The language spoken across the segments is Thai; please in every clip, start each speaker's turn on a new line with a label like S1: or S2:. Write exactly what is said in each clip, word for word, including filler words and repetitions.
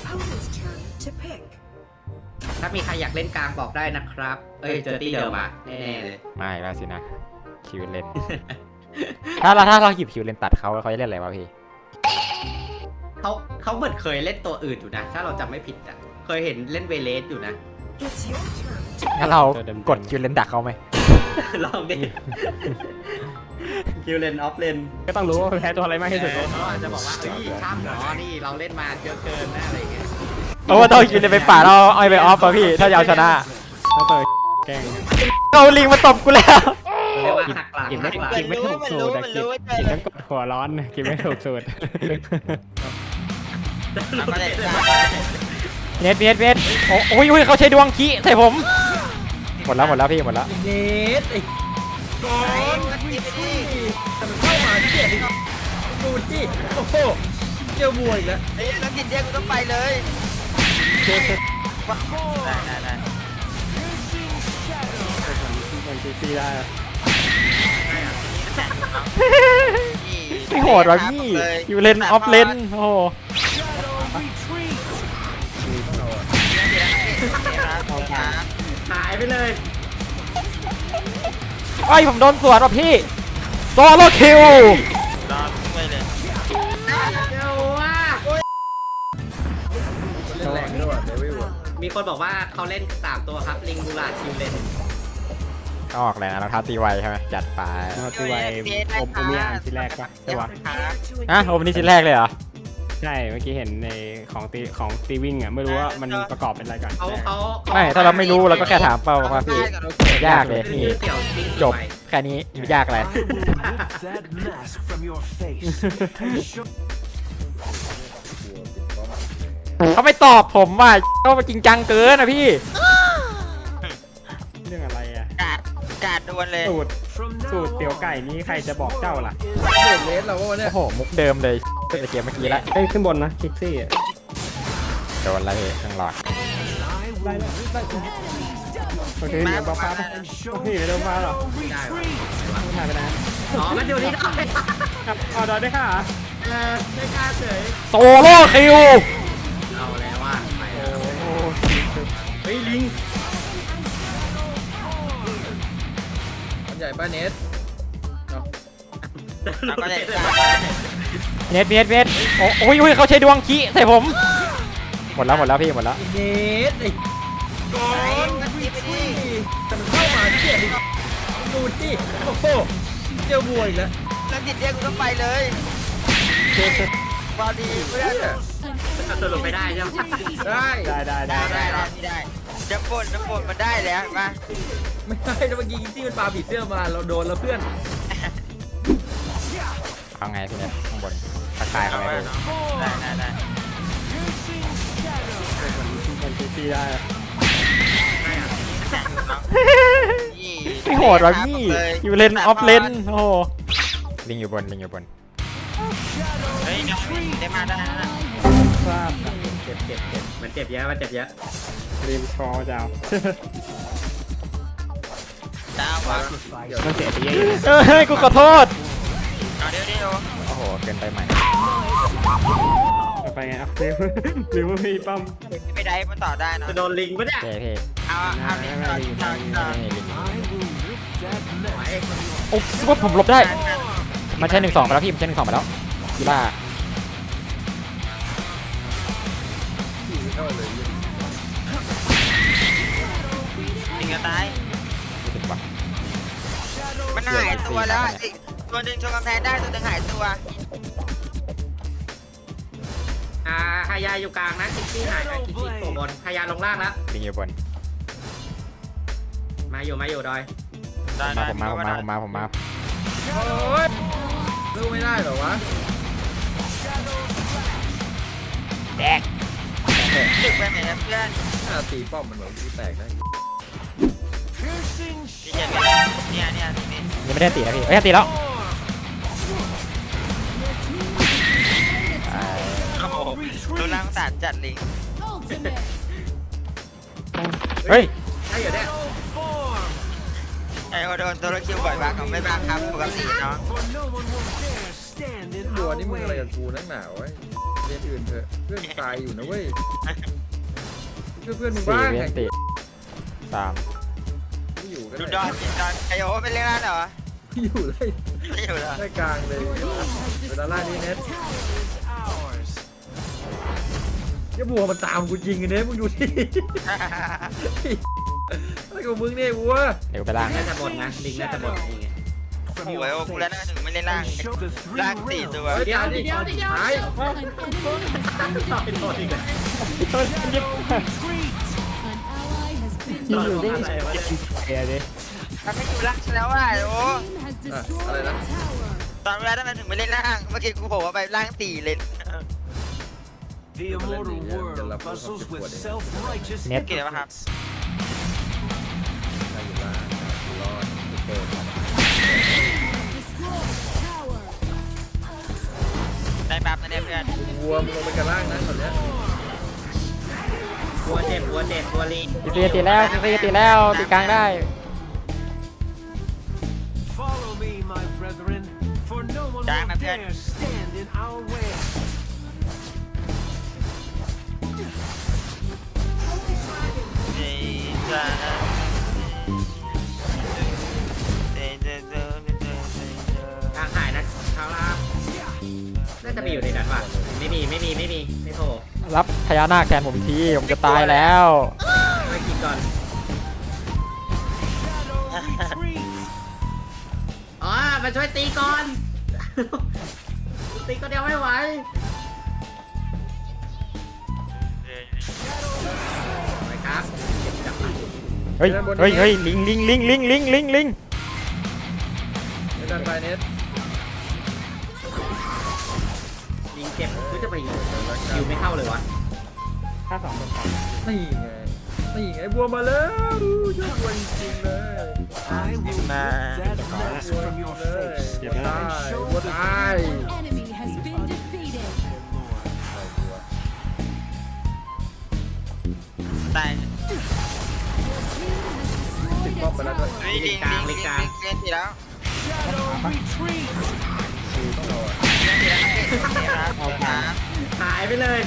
S1: opponent's turn to pick.
S2: ถ้ามีใครอยากเล่นกลางบอกได้นะครับ เอ้ยเจอตี้เดิมอ่ะแน่ๆเลย
S3: ไม่แล้วสินะคิวเลน ถ้าเราถ้าเราหยิบคิวเลนตัดเขาเขาจะเล่นอะไรวะพี่
S2: เขาเขาเหมือนเคยเล่นตัวอื่นอยู่นะ ถ้าเราจำไม่ผิดอ่ะเคยเห็นเล่นเวเลสอยู่นะ
S1: It's your turn to
S3: งั้นเรากดคิวเลนดักเขาไหม
S2: ลองดิ คิวเลนออฟเลน
S4: ก็ต้องรู้ว่าแพ้ตัวอะไรมากที่สุด
S2: เขาอาจจะบอกว่าเอ้ยข้ามหนอนี่เราเล่นมาเยอะเกินนะอะไรเงี้ย
S3: โอ้ต้องคิวเลนไปป่าเราเอาไปออฟป่ะพี่ถ้าจะเอาชนะ
S4: ถ้าเปิดแกง
S3: เอาลิงมาตบกูแล้ว
S2: เรียกว่าหักหลัง
S4: กินไม่
S2: หักหลัง
S4: กินไม่ถูกสูตรอะกินกินต้องกดหัวร้อนกินไม่ถูกสูตร
S3: เน็ตเน็ตเน็ตโอ้โอ้ยโอ้ยเขาใช้ดวงขี้ใส่ผมหมดแล้วหมดแล้วพี่หมดแล้ว
S5: เนสไอ้ก้อนวิธีมันเข้ามาที่เกียรติดูที่โอ้โหเจียวบวยอีกแล้ว
S6: ไอ้นักกินเรียกกูต้องไปเลยได้ได้ได้
S4: มันซีซีได้
S3: ไม่โหดวะพี่คิวเลนออฟเลนโอ้โห
S2: หายไปเลย
S3: ไอ้ยผมโดนสวนว่ะพี่โซโลคิว
S6: รอไปเลย
S2: เจ้าว่า
S5: เล่นแรงด้วยเดวิล
S2: มีคนบอกว่าเขาเล่นสามตัวครับลิงบูราคิวเลน
S3: ออกแล้วเราท้าตีไวใช่ไหมจัดไป
S4: เราตีไวอมอมยามทีแรกปะใช่ปะ
S3: ฮะโอ้วันนี้ชิ้นแรกเลยเหรอ
S4: ใช่เมื่อกี้เห็นในของตีของตีวิ่งอ่ะไม่รู้ว่ามันประกอบเป็นอะไรก่อน
S2: เขาเขา
S3: ไม่ถ้าเราไม่รู้เราก็แค่ถามเป้าว่าพี่ยากเลย
S2: ชื่
S3: นี่
S2: อเสี่ยวติ้ง
S3: จบแค่นี้ยากอะไร
S7: that mask from your face and show
S3: เขาไม่ตอบผมว่าเขาจริงจังเกินนะพี่
S4: เรื่องอะไรอ่ะ
S6: กาดกาดดวนเลย
S4: สูตร
S7: from
S4: สูตร
S7: now
S4: เตี๋ยวไก่นี้ใครจะบอกเจ้าล่ะ
S5: เด็กเลสเราวะเนี่ย
S3: โอ้โหมุกเดิมเลยตั้งแต่เกมเมื่อกี้ละ
S4: เอ้ยขึ้นบนนะคิกซี่
S3: โดนอะไรเครื่องหลอด
S4: ได้แล้วโอเคเดี๋ยวบ้าฟ้าโอเคเดี๋ยวบ้าหรอ
S2: ได้วะ
S4: ไม่ถ่ายไปนะ
S2: อ๋อมันอยู่นี่ได้
S4: ครับออดอได้ค่ะ
S2: เออไม่กล้าเฉย
S3: โซโล่คิว
S2: เอาแล้วว่าไปแล้ว
S4: โอ้
S2: เฮ้ยลิง
S5: มันใหญ่ป้าเนส
S6: เราก็เลย
S3: เน็ตเน็ตเน็ตโอ้โอ้ยโอ้ยเขาใช้ดวงขี้ใส่ผมหมดแล้วหมดแล้วพี่หมดแล้ว
S5: เนสไอ้ก้อนวิธีมันเข้ามาที่เกียรติดูที่โอ้โหเจียวบวยอีกแล้ว
S6: นักกินเรียกกูต้องไปเลยมาดีเพื่อน
S2: สรุปไม่ได้ใช่ไหม
S5: ได้
S4: ได้ได้ได้
S6: ได้ได้ได้ได้จะปนจะปนมันได้แล้วมา
S5: ไม่ได้นะเมื่อกี้ที่มันปาผีเสื้อมาเราโดนแล้วเพื่อน
S3: เอาไงพี่เน็ตข้างบนทักทายเขาไหมพี่
S6: ได้ได้ได้
S4: มันซีซีได้
S3: ไม่โหดวะพี่คิวเลนออฟเลนโอ้โหลิงอยู่บนลิงอยู่บน
S6: เฮ้ยได้มาได้นะ
S4: ทราบ
S2: เจ็บเจ็บเจ็บมันเจ็บเยอะมันเจ็บเยอะ
S4: ริมคอเจ้า
S6: ดาววะ
S4: มันเสียไปเยอะ
S3: เฮ้ยกูขอโทษ
S6: เอาเดี๋ยวเดี๋ยว
S3: โอ้โหเกินไปใหม่
S4: ไปไงอ่ะริวริวมีปั๊ม
S6: ไม่ได้มันต่อได้นะ
S2: จะโดนลิงปะเนี่ย
S3: เท่เท่
S6: เอาเอาเดี๋ยวต่อต่อต่อ
S3: ไม่ลิง
S7: I will rip that mask
S3: โอ้สมมติผมหลบได้มันใช้หนึ่งสองไปแล้วพี่มันใช้หนึ่งสองไปแล้วกีฬา
S6: ยิงกันตาย
S3: ไม่ถึงว่ะ
S6: มันหายตัวแล้วอีกตัวหนึ่งชนกำแพงได้ตัวหนึ่งหายตัว
S2: อ่าฮายาอยู่กลางนะคิกซี่หายคิกซี่ตัวบนฮายาลงล่างแล้ว
S3: ลิงอยู่บน
S2: มาอยู่มาอยู่ดอย
S3: มาผมมาผมมาผมมาผมมา
S5: โอ้ยสู้ไม่ได้เหรอวะ
S3: แดก
S6: ดึกไปไหนนะเพื่อน
S5: ถ้าตีป้อมมันเหมือนที่แตกได้
S7: piercing
S6: พี่เจนเนี่ยเนี่ยนี่
S3: ยังไม่ได้ตีนะพี่เอ้ยตีแล้ว
S6: โอ้โหดูร่างสารจัดลิง
S3: เฮ้ย
S2: ใช่อยู่เนี่ย
S7: form
S6: ไอ้โดนตัวละคิวบ่อยบ้างเขาไม่บ้างครับปกติเนาะ
S7: for no one will dare stand in
S5: บัว
S7: our
S5: นี่มึงอะไร
S7: way.
S5: กับกูนักหนาวไว้เรียนอื่นเถอะเพื่อนตายอยู่นะเว้ยช่วยเพื่อนมึง
S3: สี่
S5: บ้าง
S3: เวีย
S5: ไง
S3: นติสาม
S5: ไม่อยู่กัน
S6: ดู
S5: เลย
S6: ดอนดูดอนไอโอเป็นเรื่องนั้นเหรอ
S5: ไม่อยู่เลย
S6: ไม่อยู่แล้ว
S5: ได้กลางเลยเวลาล่างนี้เน็ต
S7: Ours.
S5: อย่าบัวมันตามกูจริงกันเน็ตมึงดูดิอะไรกับมึงเนี่ยบัว
S3: เดี๋ยวไปล่าง
S2: น่าจะบนนะลิงน่าจะบนนี่ไง
S6: โอ้ยโอ้กูแล้วนะถึงไม่เล่นล่าง
S7: And show the three
S6: ล่างสี่ตัว
S7: realms.
S2: เดี๋ยวเดี๋ยวเดี๋ยวเดี๋ยว
S5: หาย
S2: ต่อเป็นตัวอีกเลย
S7: Retreat.
S3: อยู่ดิเดี๋ยวดิ
S6: มันไม่อยู่ล่างแล้วอ่ะโอ้
S5: อ่ะอะไรนะ
S6: ตอนเวลาทำไมถึงไม่เล่นล่าง เมื่อกี้กูบอกว่าไปล่างสี่เลย
S7: The immortal world bustles with self-righteous
S3: เน็ต
S6: เกี่ยวกับครับ
S5: ได้อยู่ล่างรอดเกิด
S6: ได้ปั๊บนะเนี่ยเพื่อน
S5: บัวมึงลงไปกันล่างนะตอนเนี้ย
S2: บัวเจ็บบัวเจ็บบัวลิง
S3: ตีตีตีแล้วตีตีแล้วตีกลางได้
S7: Follow me, my brethren, for no one will dare stand in our way.
S2: ทางหายนะเขาล่างน่าจะมีอยู่ในนั้นว่ะไม่มีไม่มีไม่มีไม่โผล่
S3: รับพญานาคแทนผมทีผมจะตายแล้ว
S2: ไม่กินก่อน
S7: Retreat.
S2: อ๋อมาช่วยตีก่อน ตีก็เดียวไม่ไหวไปครับเก็บจับไป
S3: เฮ้ยเฮ้ยเฮ้ยลิงลิงลิงลิงลิงลิงลิง
S5: ไม่ดันไปเน็ต
S2: ยิงเจ็บคือจะไปยิงคิวไม่เข้าเลยวะ
S4: ค่าสองเป็นสอง
S5: นี่ไงนี่ไงบัวมาแล้วยอดบัวจริงๆเลย
S7: I will rip that mask from your
S5: เลย
S7: face
S5: บัวตาย
S7: and show
S5: บัว
S7: the
S5: ตาย
S1: Enemy has been defeated.
S6: ตาย
S5: ติดป้อมไปแล้วด้วย
S6: ลิงลิงลิงลิงลิงเล่นทีแล้ว
S7: Shadow retreat.
S5: คือต้องเราอะ
S6: เล่นทีแล้วเอาครับ
S2: หายไปเลย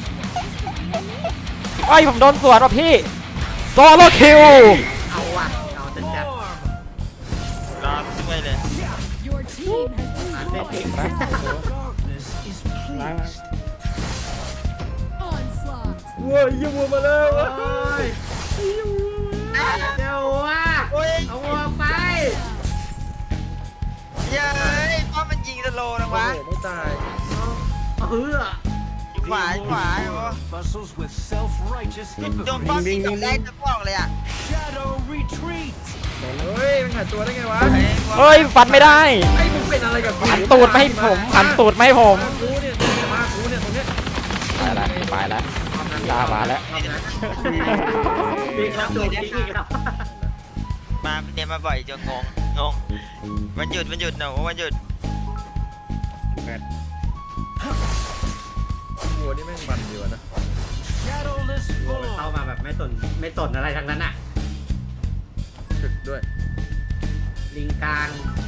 S3: ไอ้ยผมโดนสวนว่ะพี่โซโลคิว
S2: เอาว่ะเอาจัดจัด
S6: รอด้วยเลย
S1: Your team has
S2: อ่าน
S1: been
S2: ได้ติด
S7: Darkness is
S4: ล้าง
S7: pleased.
S1: onslaught.
S5: บัวยี่บัวมาแล้ว
S2: โอ้ยเจ้าว่ะ
S6: โอ้ย
S2: เอาวัวไป
S6: เย้ยป้อมมันยิงสโลว์นะ
S5: โอ้
S6: วะ
S5: โหไม่ตาย
S2: เอาเฮือ
S6: อยู่ขวาอยู่ขวาโอ้
S7: Bustles with self-righteous
S6: โดนป้อม
S7: hypocrites.
S6: ยิงกับแรกจะบอกเลยอ่ะ
S7: Shadow retreat.
S5: เฮ้ยมันหายตัวได้ไงวะ
S3: เฮ้ยฟันไม่ได้
S5: ไอ้มึงเป็นอะไรกับกู
S3: หันตูดไม่ให้ผมหันตูดไม่ให้ผม
S5: มากูเนี่ยมากูเนี่ยตรงเนี้ย
S3: ไปแล้วไปแล้วลามาแล้ว
S2: มีครับโดนทิ้งอีกแล้ว
S6: มาเนี่ยมาบ่อยจนงงงงวันหยุดวันหยุดหนูวันหยุด
S5: บัวนี่แม่งมันดีวะนะ
S7: Shadowless
S2: เข้า
S7: form.
S2: มาแบบไม่สนไม่สนอะไรทั้งนั้นอ่ะ
S5: ถึกด้วย
S2: ลิงกลาง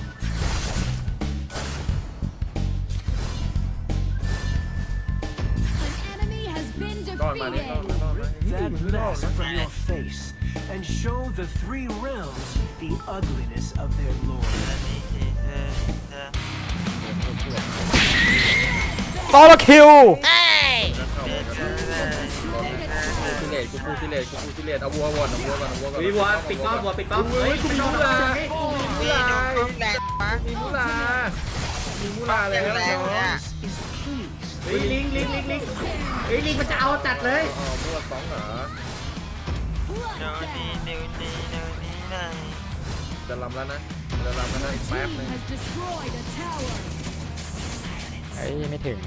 S1: An enemy has been
S5: รอดมาเนี่ยรอดมา
S1: defeated.
S5: รอดมา
S7: That
S5: รอด
S7: mask
S5: นะ
S7: from your face and show the three realms the ugliness of their lord.
S3: โซโลคิว
S5: ซิเลตกูกูซิเลตกูกูซิเลตเอาวัววอนเอาวัวก่อนเอาวัวก่อน
S2: วิวัวปิดป้อมวัวปิดป้อมเฮ้ยคุณโดนอะไร
S6: นี่โดนป้อมแรงปะ
S5: มีมูลามีมูลาเลย
S6: แรงเลยอ่ะ
S7: Is pleased.
S2: เฮ้ยลิงลิงลิงลิงเฮ้ยลิงมันจะเอาจัดเลย
S5: อ๋อมูลาสองเหรอ
S6: โดนนี่โดนนี่โดนนี่เลย
S5: จะลำแล้วนะจะลำแล้วนะอีกแป๊บ
S1: Team
S5: นึง
S1: has destroyed a tower.
S3: เฮ้ยไม่ถึง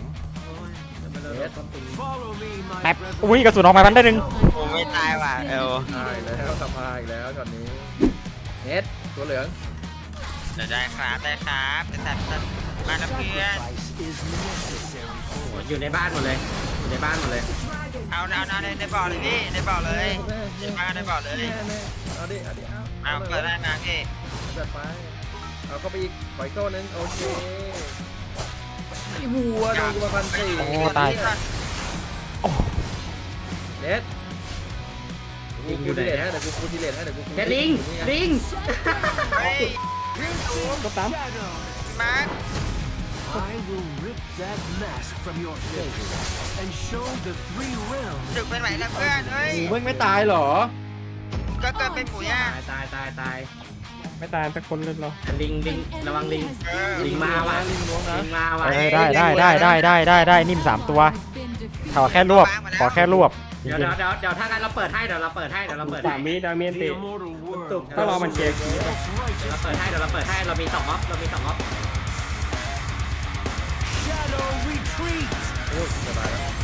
S7: Follow me, my
S3: แป๊บ
S7: brethren.
S3: อุ้ยกระสุนออกมาพันได้หนึ่ง
S6: ผมไม่ตายว่ะเออ
S5: ตายแล้วทำมาอีกแล้วช็อตนี้เน็ตตัวเหลือง
S6: เดี๋ยวได้ครับได้ครับจะตัดตัดมาแล้วเพื่อน
S7: Sacrifice is necessary
S2: โอ้ยอยู่ในบ้านหมดเลยอยู่ในบ้านหมดเลย
S6: เอาเอาเอาในในบ่อเลยพี่ในบ่อเลยมาในบ่อเลย
S5: เอาดิเอาดิเอา
S6: เอาเปิดได้นะพี่
S5: จัดไปเอาเข้าไปอีกปล่อยโก้นึงโอเคไอ้วัวโดนกูมาพันสี่
S3: โอ้ตาย
S5: เด็ดกูกูทีเลทให้เดี๋ยวกูกูทีเลทให้เดี๋ยวกู
S2: เด็ดลิงลิง
S6: เฮ้ย
S4: ก็ตาม
S6: มาร์ค
S7: I will rip that mask from your face and show the three realms.
S6: ดึกไปไหนล่ะเพื่อนเฮ้ย
S5: หมูมึงไม่ตายเหรอ
S6: ก็เกิดเป็นหมูย่า
S2: ตายตายตายตาย
S4: ไม่ตายสักคนเลยเหรอ
S2: ลิงลิง
S1: An
S2: ระวังลิง
S1: enemy has been
S2: ลิงมาว่ะ
S5: ลิงล้วงนะ
S2: ลิงมาว่ะ
S3: เออได้ได้ได้ได้ได้ได้ได้นิ่มสามตัว
S1: has been defeated.
S3: ขอแค่รวบ ขอแค่รวบจ
S2: เดี๋ยว
S3: ริง
S2: เดี๋ยวเดี๋ยวเดี๋ยวถ้างั้นเราเปิดให้เดี๋ยวเราเปิดให้เดี๋ยวเราเปิด
S4: สา
S2: ให้
S4: มวิดาเมียน
S7: The
S4: ติ
S7: immortal world.
S4: ถ้ารอมันเช็ค
S7: Most
S2: เดี๋ยว
S7: righteous
S2: เราเปิดให้เดี๋ยวเราเปิดให้เรามีสองออฟเรามีสองออฟ
S7: shadow retreat.
S5: โอ้ยสบายแล้ว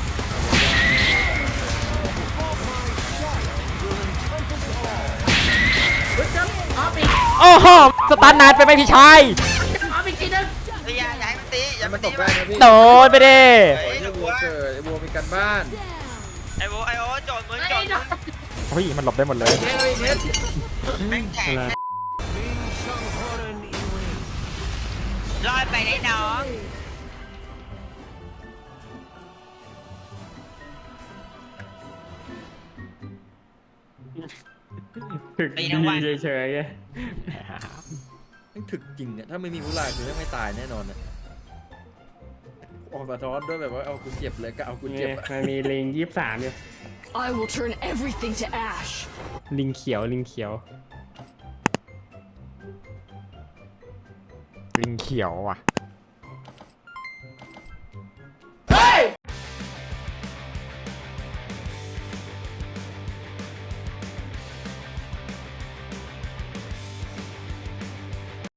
S2: เฮ้ยเจ้าออฟอีก
S3: ๆโอ้โหสตาร์ทนานไปไหมพี่ชาย
S2: ออฟอีกทีนึง
S6: เฮ้ยอย่าอย่าให้มันตีอย่า
S5: มั
S6: มัน น
S5: ต
S6: ตี
S5: กได้นะพี่
S3: โดนไปดิ
S5: โอ้ยไอ้วัวเกิดไอ้วัวมีการบ้าน
S6: ไอ้โบไอ้โอ้โจดมึงโจดมึง
S3: เฮ้ยมันหลบได้หมดเลย
S5: เฮ้ยเพชร
S6: แม่งแข็ง
S4: อะไร
S7: King Shanghoran Ewing.
S6: ลอยไปได้น้อง
S4: ถึกดีเฉยๆไง
S5: แม่งถึกจริงเนี่ยถ้าไม่มีผู้ลายคือไม่ตายแน่นอนเนี่ยออกสะท้อนด้วยแบบว่าเอากูเจ็บเลยก็เอากู
S4: นี่
S5: เจ็บอะ
S4: มันมีลิงยี่สิบสามอยู่
S1: I will turn everything to ash.
S4: ลิงเขียวลิงเขียว
S3: ลิงเขียวว่ะ